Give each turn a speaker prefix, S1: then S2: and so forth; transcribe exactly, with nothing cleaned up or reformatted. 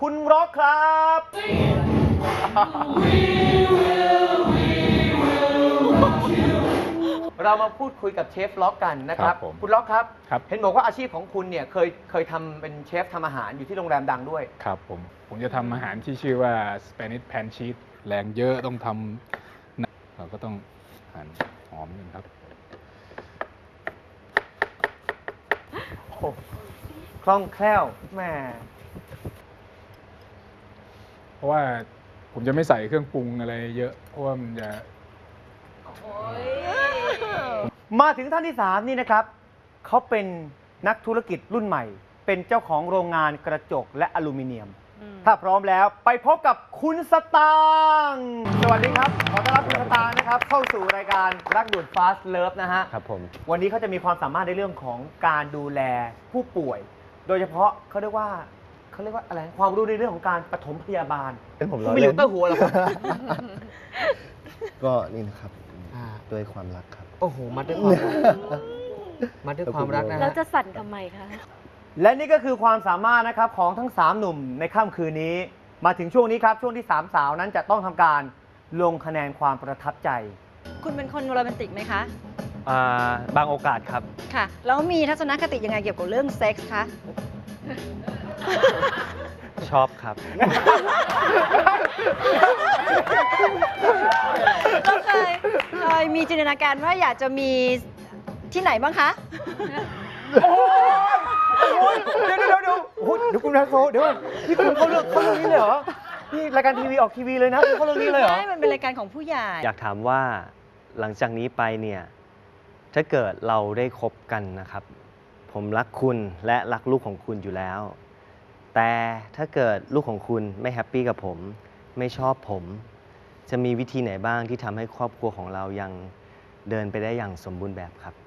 S1: คุณร็อกครับ เรามาพูดคุยกับเชฟล็อกกันนะครับคุณล็อกครับเห็นบอกว่าอาชีพของคุณเนี่ยเคยเคยทำเป็นเชฟทำอาหารอยู่ที่โรงแรมดังด้วย
S2: ครับผมผมจะทำอาหารที่ชื่อว่า Spanish Pan Cheese แรงเยอะต้องทำเราก็ต้องหั่นหอมกันครับ
S1: คล่องแคล่วแม่
S2: เพราะว่าผมจะไม่ใส่เครื่องปรุงอะไรเยอะเพราะว่ามันจะ
S1: มาถึงท่านที่สามนี่นะครับเขาเป็นนักธุรกิจรุ่นใหม่เป็นเจ้าของโรงงานกระจกและอลูมิเนียมถ้าพร้อมแล้วไปพบกับคุณสตางค์สวัสดีครับขอต้อนรับคุณสตางค์นะครับเข้าสู่รายการรักด่วน Fast Love นะฮะ
S3: ครับผม
S1: วันนี้เขาจะมีความสามารถในเรื่องของการดูแลผู้ป่วยโดยเฉพาะเขาเรียกว่าเขาเรียกว่าอะไรความรู้ในเรื่องของการปฐมพยาบาล
S3: เป็นผม
S1: ไม่เหลือเต้าหัวหรอครับ
S3: ก็นี่นะครับด้วยความรักครับ
S1: โอ้โหมาด้วยความรักมาด้วยความรักนะ
S4: แล้วจะสั่นทำไมคะ
S1: และนี่ก็คือความสามารถนะครับของทั้งสามหนุ่มในค่ำคืนนี้มาถึงช่วงนี้ครับช่วงที่สามสาวนั้นจะต้องทำการลงคะแนนความประทับใจ
S4: คุณเป็นคนโรแมนติกไหมคะ
S3: บางโอกาสครับ
S4: ค่ะแล้วมีทัศนคติยังไงเกี่ยวกับเรื่องเซ็กส์คะ
S3: ชอบครับ
S4: เราเคยเคยมีจินตนาการว่าอยากจะมีที่ไหนบ้างคะ
S1: เดี๋ยวเดี๋ยวเดี๋ยวเดี๋ยวคุณแม็กโซเดี๋ยวนี่คุณเขาเลือกเขาเรื่องนี้เลยเหรอนี่รายการทีวีออกทีวีเลยนะเขาเรื่องนี้เลยเหรอ
S4: ใช่มันเป็นรายการของผู้ใหญ่
S3: อยากถามว่าหลังจากนี้ไปเนี่ยถ้าเกิดเราได้คบกันนะครับผมรักคุณและรักลูกของคุณอยู่แล้วแต่ถ้าเกิดลูกของคุณไม่แฮปปี้กับผมไม่ชอบผมจะมีวิธีไหนบ้างที่ทำให้ครอบครัวของเรายังเดินไปได้อย่างสมบูรณ์แบบครับ